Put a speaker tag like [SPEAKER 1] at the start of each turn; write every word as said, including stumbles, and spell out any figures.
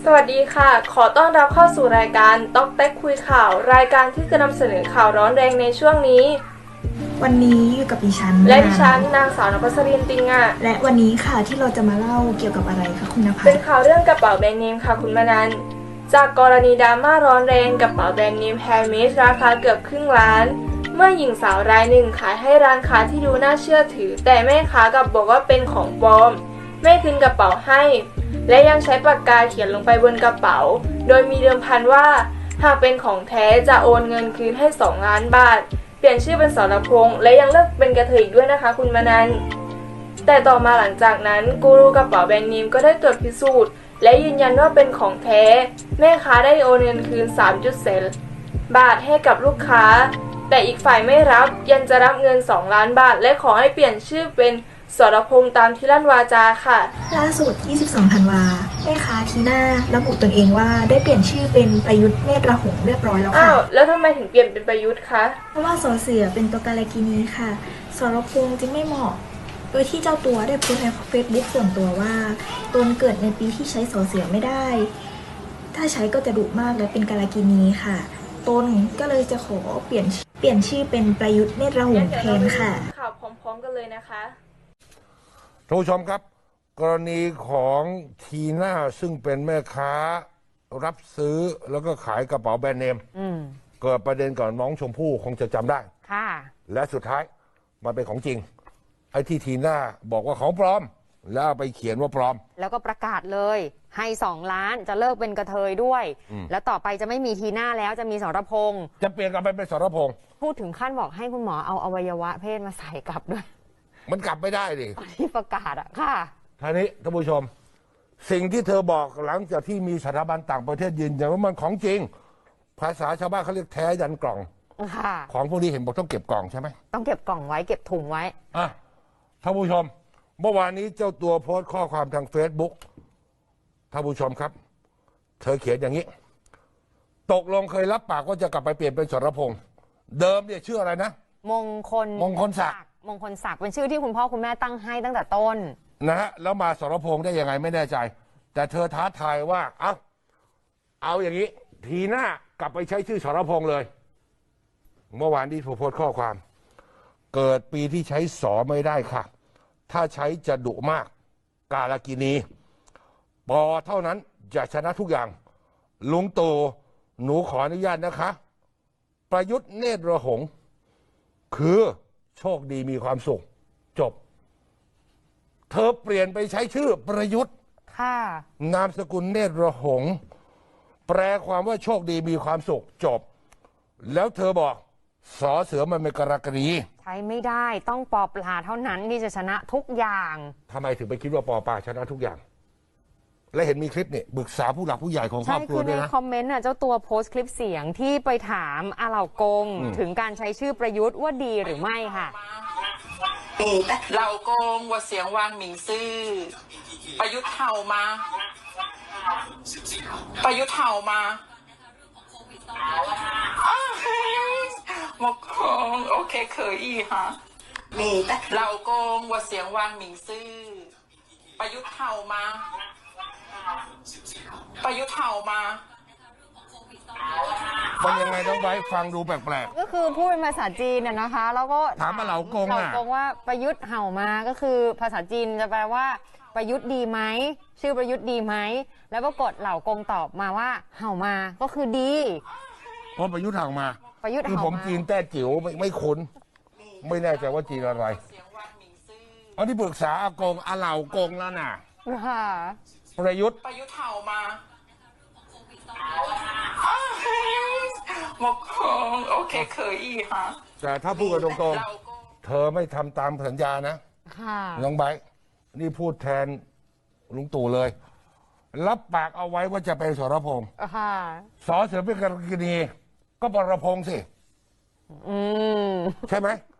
[SPEAKER 1] สวัสดีค่ะ ขอต้อนรับเข้าสู่รายการต๊อกแต๊กคุยข่าว รายการที่จะนำเสนอข่าวร้อนแรงในช่วงนี้
[SPEAKER 2] วันนี้อยู่กับดิฉัน
[SPEAKER 1] และดิฉันนางสาวนภัสรินติงอ่ะ
[SPEAKER 2] และวันนี้ค่ะที่เราจะมาเล่าเกี่ยวกับอะไรคะคุณนภัส
[SPEAKER 1] เป็นข่าวเรื่องกระเป๋าแบรนด์เนมค่ะคุณมนันจากกรณีดราม่าร้อนแรงกระเป๋าแบรนด์เนมแฮร์เมสราคาเกือบครึ่งล้าน เมื่อหญิงสาวรายหนึ่งขายให้ร้านค้าที่ดูน่าเชื่อถือ แต่แม่ค้ากลับบอกว่าเป็นของปลอมไม่คืนกระเป๋าให้และยังใช้ปากกาเขียนลงไปบนกระเป๋าโดยมีเดิมพันว่าหากเป็นของแท้จะโอนเงินคืนให้สองล้านบาทเปลี่ยนชื่อเป็นสรพงษ์และยังเลิกเป็นกระเทยอีกด้วยนะคะคุณมนันแต่ต่อมาหลังจากนั้นกูรูกระเป๋าแบรนด์เนมก็ได้ตรวจพิสูจน์และยืนยันว่าเป็นของแท้แม่ค้าได้โอนเงินคืน สามจุดสี่ บาทให้กับลูกค้าแต่อีกฝ่ายไม่รับยังจะรับเงินสองล้านบาทและขอให้เปลี่ยนชื่อเป็นสรพงษ์ตามที่ลั่นวาจาค่ะ
[SPEAKER 2] ล่าสุดยี่สิบสองธันวาแม่ค้าทีน่าระบุตนเองว่าได้เปลี่ยนชื่อเป็นประยุทธ์เนตรหงส์เรียบร้อยแล้วค่ะ
[SPEAKER 1] อ้าวแล้วทำไมถึงเปลี่ยนเป็นประยุทธ์คะ
[SPEAKER 2] เพราะว่าสอเสือเป็นตัวการกินีค่ะสรพงษ์จึงไม่เหมาะโดยที่เจ้าตัวได้โพสต์ในเฟซบุ๊กส่วนตัวว่าตนเกิดในปีที่ใช้สอเสือไม่ได้ถ้าใช้ก็จะดุมากและเป็นการกินีค่ะตนก็เลยจะขอเปลี่ยนเปลี่ยนชื่อเป็นประยุทธ์เนตรหงส์แทนค่ะ
[SPEAKER 1] ข่าวพร้อมๆกันเลยนะคะ
[SPEAKER 3] ท่านผู้ชมครับกรณีของทีน่าซึ่งเป็นแม่ค้ารับซื้อแล้วก็ขายกระเป๋าแบรนด์เนมเกิดประเด็นก่อนน้องชมพู่คงจะจำได้
[SPEAKER 4] ค่ะ
[SPEAKER 3] และสุดท้ายมันเป็นของจริงไอ้ที่ทีน่าบอกว่าของปลอมแล้วไปเขียนว่าปลอม
[SPEAKER 4] แล้วก็ประกาศเลยให้สองล้านจะเลิกเป็นกระเทยด้วยแล้วต่อไปจะไม่มีทีน่าแล้วจะมีสรพงษ์
[SPEAKER 3] จะเปลี่ยนกลับไปเป็นสรพงษ์
[SPEAKER 4] พูดถึงขั้นบอกให้คุณหมอเอาอวัยวะเพศมาใส่กลับด้วย
[SPEAKER 3] มันกลับไม่ได้ดิ
[SPEAKER 4] ที่ประกาศอะค่ะ
[SPEAKER 3] ท่านี้ท่านผู้ชมสิ่งที่เธอบอกหลังจากที่มีสถาบันต่างประเทศยืนยันว่ามันของจริงภาษาชาวบ้านเขาเรียกแท้ยันกล่องของพวกนี้เห็นบอกต้องเก็บกล่องใช่ไหม
[SPEAKER 4] ต้องเก็บกล่องไว้เก็บถุงไว้
[SPEAKER 3] อ่ะท่านผู้ชมเมื่อวานนี้เจ้าตัวโพสต์ข้อความทางเฟซบุ๊กท่านผู้ชมครับเธอเขียนอย่างนี้ตกลงเคยรับปากว่าจะกลับไปเปลี่ยนเป็นสรพงษ์เดิมเนี่ยชื่ออะไรนะ
[SPEAKER 4] มงคล
[SPEAKER 3] มงคลศักดิ์
[SPEAKER 4] มงคลศักดิ์เป็นชื่อที่คุณพ่อคุณแม่ตั้งให้ตั้งแต่ต้น
[SPEAKER 3] นะฮะแล้วมาสรพงษ์ได้ยังไงไม่แน่ใจแต่เธอท้าทายว่าเอาเอาอย่างนี้ทีหน้ากลับไปใช้ชื่อสรพงษ์เลยเมื่อวานที่โพสต์ข้อความเกิดปีที่ใช้สอไม่ได้ค่ะถ้าใช้จะดุมากกาลกินีปอเท่านั้นจะชนะทุกอย่างลุงตู่หนูขออนุญาตนะคะประยุทธ์เนตรหงส์คือโชคดีมีความสุขจบเธอเปลี่ยนไปใช้ชื่อประยุทธ์
[SPEAKER 4] ค่ะ
[SPEAKER 3] นามสกุลเนตรหงส์แปลความว่าโชคดีมีความสุขจบแล้วเธอบอกสอเสือมันเป็นกรกฎี
[SPEAKER 4] ใช้ไม่ได้ต้องปอปลาเท่านั้นที่จะชนะทุกอย่าง
[SPEAKER 3] ทำไมถึงไปคิดว่าปอปลาชนะทุกอย่างและเห็นมีคลิปเนี่ยปรึกษาผู้หลักผู้ใหญ่ของครอบครัวด้วยนะ
[SPEAKER 4] ใช่คือในคอมเมนต์น่ะเจ้าตัวโพสต์คลิปเสียงที่ไปถามอาเหล่ากงถึงการใช้ชื่อประยุทธ์ว่าดีหรือไม่ค่ะ
[SPEAKER 5] เหล่ากงว่าเสียงวางหมิงซื่อประยุทธ์เห่ามาประยุทธ์เห่ามาหมกคงโอเคเคยอีฮะเหล่ากงว่าเสียงวางหมิงซื่อประยุทธ์เห่ามาประยุทธ์เห่ามา
[SPEAKER 3] มันยังไงน้องไบร์ทฟังดูแปลก
[SPEAKER 4] ๆก็คือพูดเป็นภาษาจีนน่ะนะคะแล้วก็
[SPEAKER 3] ถามมาเหล่ากงอ่ะ
[SPEAKER 4] เหล่ากงว่าประยุทธ์เห่ามาก็คือภาษาจีนจะแปลว่าประยุทธ์ดีไหมชื่อประยุทธ์ดีไหมแล้วปรากฏเหล่ากงตอบมาว่าเห่ามาก็คือดี
[SPEAKER 3] เพราะประยุทธ์เห่ามา
[SPEAKER 4] ประยุทธ์
[SPEAKER 3] คือผมจีนแต้จิ๋วไม่ไม่คุ้นไม่แน่ใจว่าจีนอะไรอันนี้ปรึกษาอากงอาเหล่ากงแล้วน่ะ
[SPEAKER 4] ค่ะ
[SPEAKER 3] ประยุทธ์
[SPEAKER 5] ประยุทธ์เห่ามาหมกคงโอเคเคยอีฮะ
[SPEAKER 3] แต่ถ้าพูดกันตรงๆเธอไม่ทำตามสัญญานะ
[SPEAKER 4] ค่ะ
[SPEAKER 3] น้องไบร์ทนี่พูดแทนลุงตู่เลยรับปากเอาไว้ว่าจะเป็นสรพงษ์
[SPEAKER 4] ค่ะ
[SPEAKER 3] สอเสือเป็นกรกฎีก็ปรพงษ์สิ
[SPEAKER 4] อืม
[SPEAKER 3] ใช่ไหม